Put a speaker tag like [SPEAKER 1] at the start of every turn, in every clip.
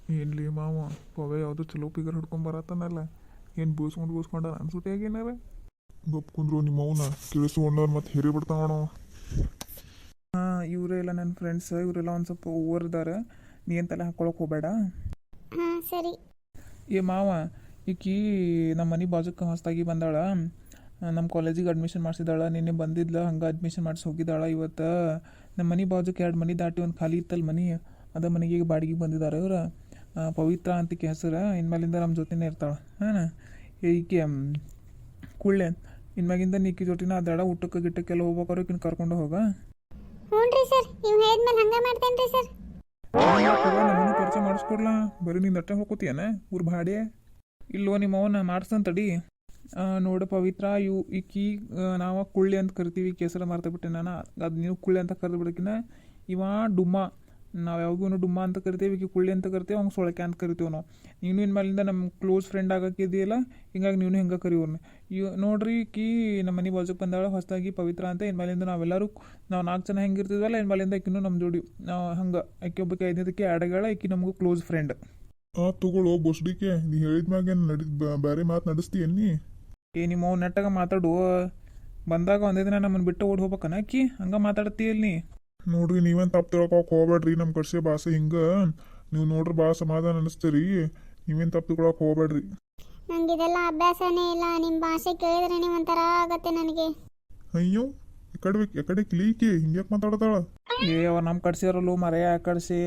[SPEAKER 1] ಏನ್ಲಿ ಮಾವ ಪವೆ ಯಾವುದೋ ಚಲೋ ಪಿಗರ್ ಹಿಡ್ಕೊಂಡ್ ಬರತ್ತಾನಲ್ಲ. ಏನು ಬೂಸ್ಕೊಂಡ ಅನ್ಸುತ್ತೆ ಏನಾರ ಗಪ್ ಕುಂದ್ರು ನಿಮ್ಮ ಅವನ ಕೇಳಿಸ್ಕೊಂಡವ್ರು ಮತ್ತೆ ಹೇರಿ ಬಿಡ್ತಾವಣ. ಹಾಂ, ಇವರೆಲ್ಲ ನನ್ನ ಫ್ರೆಂಡ್ಸ್, ಇವರೆಲ್ಲ ಒಂದು ಸ್ವಲ್ಪ ಓವರ್ ಇದ್ದಾರೆ. ನೀ ಎಂತೆಲ್ಲ ಹಾಕೊಳಕ್ಕೆ ಹೋಗಬೇಡ.
[SPEAKER 2] ಹಾಂ ಸರಿ.
[SPEAKER 1] ಏ ಮಾವ, ಈಕಿ ನಮ್ಮ ಮನೆ ಬಾಜುಕ್ಕೆ ಹೊಸ್ದಾಗಿ ಬಂದಾಳ. ನಮ್ಮ ಕಾಲೇಜಿಗೆ ಅಡ್ಮಿಷನ್ ಮಾಡಿಸಿದಾಳ. ನಿನ್ನೆ ಬಂದಿದ್ಲ, ಹಂಗೆ ಅಡ್ಮಿಷನ್ ಮಾಡಿಸಿ ಹೋಗಿದ್ದಾಳ. ಇವತ್ತು ನಮ್ಮ ಮನೆ ಬಾಜುಕ್ಕೆ 2 ಮನೆ ದಾಟಿ ಒಂದು ಖಾಲಿ ಇತ್ತಲ್ಲ ಮನೆ, ಅದ ಮನೆಗೆ ಬಾಡಿಗೆ ಬಂದಿದ್ದಾರೆ ಇವ್ರು. ಪವಿತ್ರ ಅಂತಿಕೆ ಹೆಸರು. ಇನ್ಮೇಲಿಂದ ನಮ್ಮ ಜೊತೆನೇ ಇರ್ತಾಳೆ. ಹಾಂ, ಈಕೆ ಕುಳ್ಳೆ ಇನ್ಮ್ಯಾಗಿಂದ ನೀಕಿ ಜೊತೆನ ಅದಾಡ. ಊಟಕ್ಕೆ ಗಿಟ್ಟಕ್ಕೆಲ್ಲ ಹೋಗ್ಬೇಕಾದ್ರೆ ಈಕಿನ ಕರ್ಕೊಂಡು ಹೋಗ.
[SPEAKER 2] ಹ್ಞೂ ರೀ ಸರ್, ನೀವು ಹೇಳಿದ್ಮೇಲೆ ಹಂಗೆ ಮಾಡ್ತೇನೆ ರೀ ಸರ್.
[SPEAKER 1] ನಮ್ಮನ್ನು ಪರಿಚಯ ಮಾಡಿಸ್ಕೊಡ್ಲಾ? ಬರೀ ನಿನ್ನ ಅಟ್ಟೆ ಹೋಗ್ಕೋತೀಯನ ಊರು ಭಾಡೆ? ಇಲ್ವೋ ನಿಮ್ಮ ಅವನ್ನ ಮಾಡಿಸ್ತಂತ ತಡಿ. ನೋಡು ಪವಿತ್ರ, ಈಕಿ ನಾವು ಕುಳ್ಳಿ ಅಂತ ಕರಿತೀವಿ. ಕೇಸರ ಮಾರ್ತಬಿಟ್ಟೆ ನಾನು. ಅದು ನೀವು ಕುಳ್ಳಿ ಅಂತ ಕರೆದು ಬಿಡಕಿನ. ಇವ ಡುಮ್ಮ, ನಾವು ಯಾವಾಗೂ ಡುಮ್ಮ ಅಂತ ಕರಿತೀವಿ. ಈಕಿ ಕುಳ್ಳಿ ಅಂತ ಕರಿತೀವಿ, ಅವ್ನು ಸೊಳಕೆ ಅಂತ ಕರಿತೀವಿ ನಾವು. ನೀನು ಇನ್ಮೇಲಿಂದ ನಮ್ಮ ಕ್ಲೋಸ್ ಫ್ರೆಂಡ್ ಆಗಕ್ಕಿದೆಯಲ್ಲ, ಹಿಂಗಾಗಿ ನೀನು ಹಿಂಗೆ ಕರಿಯೋರ್ನ. ನೋಡ್ರಿ, ಈಕಿ ನಮ್ಮ ಮನೆ ಬಾಜುಕ್ಕೆ ಬಂದಾಳ ಹೊಸದಾಗಿ ಪವಿತ್ರ ಅಂತ. ಇನ್ಮೇಲಿಂದ ನಾವೆಲ್ಲರೂ ನಾವು 4 ಜನ ಹೆಂಗಿರ್ತಿದ್ವಲ್ಲ, ಇನ್ಮೇಲಿಂದ ಈಕಿನೂ ನಮ್ಮ ಜೋಡಿ ಹಂಗೆ. ಆಕೆ ಒಬ್ಬಕ್ಕೆ 5ನೇದಕ್ಕೆ ಆಡಗಳ, ಈಕಿ ನಮಗೂ ಕ್ಲೋಸ್ ಫ್ರೆಂಡ್.
[SPEAKER 3] ತಗೊಳ್ಳೋ ಬೊಸ್ಡಿಕೆ, ನೀ ಹೇಳಿದ್ಮ್ಯಾಗ ಬೇರೆ ಮಾತು ನಡೆಸ್ತೀಯನ್ನಿ.
[SPEAKER 1] ನಿಮ್ಮ ನೆಟ್ಟಾಗ ಮಾತಾಡು. ಬಂದಾಗ ಒಂದೇ ದಿನ ನಮ್ಮನ್ನು ಬಿಟ್ಟು ಓಡಿ ಹೋಗ್ಬೇಕನ ಆಕಿ? ಹಂಗೆ ಮಾತಾಡ್ತೀಯಲ್ಲ ನೀ.
[SPEAKER 3] ನೋಡ್ರಿ, ನೀವೇನು ತಪ್ಪು ತಿಳ್ಕೊಳಕ್ಕೆ ಹೋಗ್ಬೇಡ್ರಿ. ನಮ್ಮ ಕಡೆ ಭಾಷೆ ಹಿಂಗೆ ನೀವು ನೋಡ್ರಿ ಭಾಳ ಸಮಾಧಾನ ಅನಿಸ್ತೀರಿ. ನೀವೇನು ತಪ್ಪು ತಿಳ್ಕೊಳಕ್ಕೆ ಹೋಗ್ಬೇಡ್ರಿ.
[SPEAKER 2] ನಂಗೆ ಇದೆಲ್ಲ ಅಭ್ಯಾಸನೇ ಇಲ್ಲ. ನಿಮ್ಮ ಭಾಷೆ ಕೇಳಿದ್ರೆ ನೀವು ಒಂಥರ ಆಗತ್ತೆ ನನಗೆ.
[SPEAKER 3] ಅಯ್ಯೋ, ಎಕಡೆ ಕ್ಲೀಕಿ ಹಿಂಗ್ಯಾಕೆ ಮಾತಾಡ್ತಾಳ?
[SPEAKER 1] ಅವ್ರು ನಮ್ಮ ಕಡ್ಸಿರಲ್ಲ ಮರೆಯ. ಆ ಕಡ್ಸಿ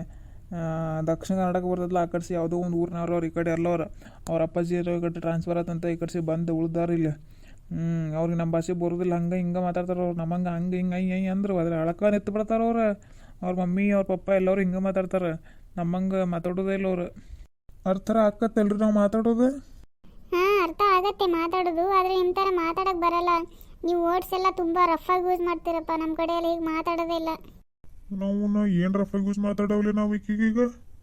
[SPEAKER 1] ದಕ್ಷಿಣ ಕನ್ನಡಕ್ಕೆ ಬರ್ತದಲ್ಲ, ಆ ಕಡ್ಸಿ ಯಾವುದೋ ಒಂದು ಊರಿನವ್ರು. ಅವ್ರು ಈ ಕಡೆ ಎಲ್ಲವ್ರು. ಅವ್ರ ಅಪ್ಪಾಜಿ ಈ ಕಡೆ ಟ್ರಾನ್ಸ್ಫರ್ ಆತಂತ ಈ ಕಡ್ಸಿ ಬಂದು ಉಳ್ದಾರ ಇಲ್ಲಿ. ಅವ್ರಿಗೆ ನಮ್ಮ ಭಾಷೆ ಬರೋದಿಲ್ಲ. ಹಂಗೆ ಹಿಂಗೆ ಮಾತಾಡ್ತಾರೆ ಅವ್ರು. ನಮ್ಮಂಗೆ ಹಂಗೆ ಹಿಂಗೆ ಅಂದ್ರು ಅದ್ರ ಅಳಕ ನಿತ್ತು ಬಿಡ್ತಾರೆ ಅವ್ರು. ಅವ್ರ ಮಮ್ಮಿ ಅವ್ರ ಪಪ್ಪ ಎಲ್ಲರೂ ಹಿಂಗೆ ಮಾತಾಡ್ತಾರೆ. ನಮ್ಮಂಗೆ ಮಾತಾಡೋದೇ ಇಲ್ಲ ಅವ್ರು.
[SPEAKER 3] ಅರ್ಥರ ಆಕತ್ತಲ್ರಿ ನಾವು ಮಾತಾಡೋದು?
[SPEAKER 2] ಹಾಂ, ಅರ್ಥ ಆಗತ್ತೆ ಮಾತಾಡೋದು, ಆದರೆ ನಿಮ್ಮ ಥರ ಮಾತಾಡೋಕ್ಕೆ ಬರಲ್ಲ. ನೀವು ವರ್ಡ್ಸ್ ಎಲ್ಲ ತುಂಬ ರಫಾಗಿ ಯೂಸ್ ಮಾಡ್ತೀರಪ್ಪ. ನಮ್ಮ ಕಡೆ ಎಲ್ಲ ಹೀಗೆ ಮಾತಾಡೋದೇ ಇಲ್ಲ.
[SPEAKER 3] ನಾವು ಏನು ರಫಾಗಿ ಯೂಸ್ ಮಾತಾಡವಲ್ಲ ನಾವು ಈಗೀಗ?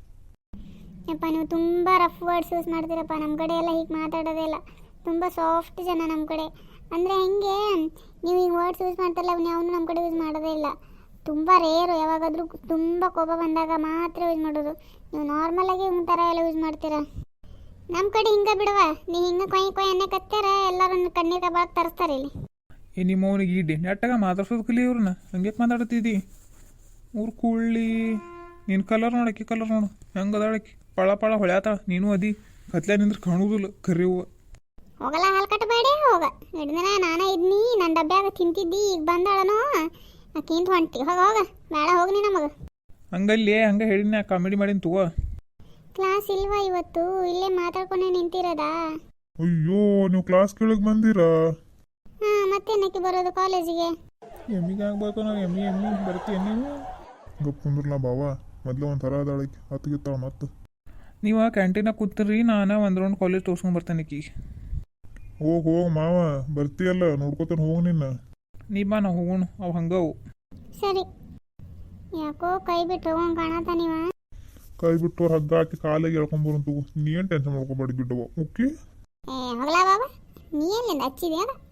[SPEAKER 2] ಯಪ್ಪ, ನೀವು ತುಂಬ ರಫ್ ವರ್ಡ್ಸ್ ಯೂಸ್ ಮಾಡ್ತೀರಪ್ಪ. ನಮ್ಮ ಕಡೆ ಎಲ್ಲ ಹೀಗೆ ಮಾತಾಡೋದೇ ಇಲ್ಲ. ತುಂಬ ಸಾಫ್ಟ್ ಜನ ನಮ್ಮ ಕಡೆ. ಅಂದರೆ ಹೆಂಗೆ ನೀವು ಈಗ ವರ್ಡ್ಸ್ ಯೂಸ್ ಮಾಡ್ತಾರಲ್ಲ, ಅವನು ನಮ್ಮ ಕಡೆ ಯೂಸ್ ಮಾಡೋದೇ ಇಲ್ಲ. ತುಂಬ ರೇರು. ಯಾವಾಗಾದರೂ ತುಂಬ ಕೋಪ ಬಂದಾಗ ಮಾತ್ರ ಯೂಸ್ ಮಾಡೋದು. ನೀವು ನಾರ್ಮಲಾಗಿ ಒಂದು ಥರ ಎಲ್ಲ ಯೂಸ್ ಮಾಡ್ತೀರಾ. ನಮ್ಮ ಕಡೆ ಹಿಂಗೆ ಬಿಡುವ. ನೀವು ಹಿಂಗೆ ಕೊಯ್ ಎಣ್ಣೆ ಕತ್ತಾರ ಎಲ್ಲರೂ ಕಣ್ಣೀರು ಕಬಾಕ್ ತರಿಸ್ತಾರೆ ಇಲ್ಲಿ.
[SPEAKER 1] ನಿಮ್ಮ ಅವನಿಗೆ ಇಡ್ಡಿ ನೆಟ್ಟಾಗ ಮಾತಾಡ್ಸೋದು ಕಲಿ ಇವ್ರನ್ನ. ಹಂಗೆ ಮಾತಾಡ್ತಿದ್ದಿ ಊರು ಕೂಳ್ಳಿ. ನಿನ್ನ ಕಲರ್ ನೋಡಕ್ಕಿ ಕಲರ್ ನೋಡು ಹೆಂಗೆ ಅದಾಳಕ್ಕಿ. ಪಳ ಪಳ ಹೊಳ್ಯಾತಾಳ. ನೀನು ಅದಿ ಕತ್ಲೆ ನಿಂದ್ರೆ ಕಾಣುವುದಿಲ್ಲ ಕರಿ ಹೂವು.
[SPEAKER 2] ಹೋಗಲ್ಲ, ಹಾಲು ಕಟ್ಟಬೇಡಿ ಹೋಗ. ಹಿಡ್ದಿನ ನಾನೇ ಇದ್ನಿ, ನನ್ನ ಡಬ್ಬ್ಯಾಗ ತಿಂತಿದ್ದಿ. ಈಗ ಬಂದಾಳನೋ ಆಕಿಂತ ಹೊಂಟಿ. ಹೋಗ ಬೇಡ ಹೋಗಿ ನೀ ನಮಗೆ.
[SPEAKER 1] ಹಂಗಲ್ಲಿ ಹಂಗೆ ಹೇಳಿನ ಕಾಮಿಡಿ ಮಾಡೀನಿ ತಗೋ.
[SPEAKER 2] ಕ್ಲಾಸ್ ಇಲ್ವಾ ಇವತ್ತು? ಇಲ್ಲೇ ಮಾತಾಡ್ಕೊಂಡೆ ನಿಂತಿರೋದಾ?
[SPEAKER 3] ಅಯ್ಯೋ, ನೀವು ಕ್ಲಾಸ್ ಕೇಳಕ್ ಬಂದಿರಾ?
[SPEAKER 2] ಹಾಂ, ಮತ್ತೇನಕ್ಕೆ ಬರೋದು ಕಾಲೇಜಿಗೆ?
[SPEAKER 1] ಎಮ್ಮಿಗೆ ಆಗ್ಬೇಕು ನಾವು. ಎಮ್ಮಿ ಬರ್ತೀಯ ನೀವು?
[SPEAKER 3] ಗಪ್ ಕುಂದ್ರಲ್ಲ ಬಾವ, ಮೊದಲು ಒಂದು ಥರ ಅದಾಳಕ್ಕೆ ಹತ್ತಿಗಿತ್ತಾಳ ಮತ್ತೆ.
[SPEAKER 1] ನೀವು ಕ್ಯಾಂಟೀನಾಗ ಕೂತಿರಿ, ನಾನು ಒಂದು ರೌಂಡ್ ಕಾಲೇಜ್ ತೋರ್ಸ್ಕೊಂಡು ಬರ್ತೇನೆ ಆಕಿಗೆ.
[SPEAKER 3] ಹೋಗ್ ಮಾವ, ಬರ್ತೀಯಲ್ಲ ನೋಡ್ಕೊತಾನೆ ಹೋಗಿ ನಿನ್ನ.
[SPEAKER 1] ನೀ ಬಾ, ನಾವು ಹೋಗೋಣ. ಅವು ಹಂಗವು.
[SPEAKER 2] ಸರಿ. ಯಾಕೋ ಕೈ ಬಿಟ್ಟು ಹೋಗೋಣ ಕಾಣತ್ತ ನೀವ?
[SPEAKER 3] ಕೈ ಬಿಟ್ಟವ್ರು ಹಗ್ಗ ಹಾಕಿ ಕಾಲಿಗೆ ಎಳ್ಕೊಂಬರಂತು. ನೀ ಏನು ಟೆನ್ಷನ್ ಮಾಡ್ಕೊಬೇಡಿ ಬಿಟ್ಟವ. ಓಕೆ.
[SPEAKER 2] ಹೋಗ್ಲಾ ಬಾಬಾ, ನೀ ಎಲ್ಲಿಂದ ಹಚ್ಚಿದ್ಯಾ?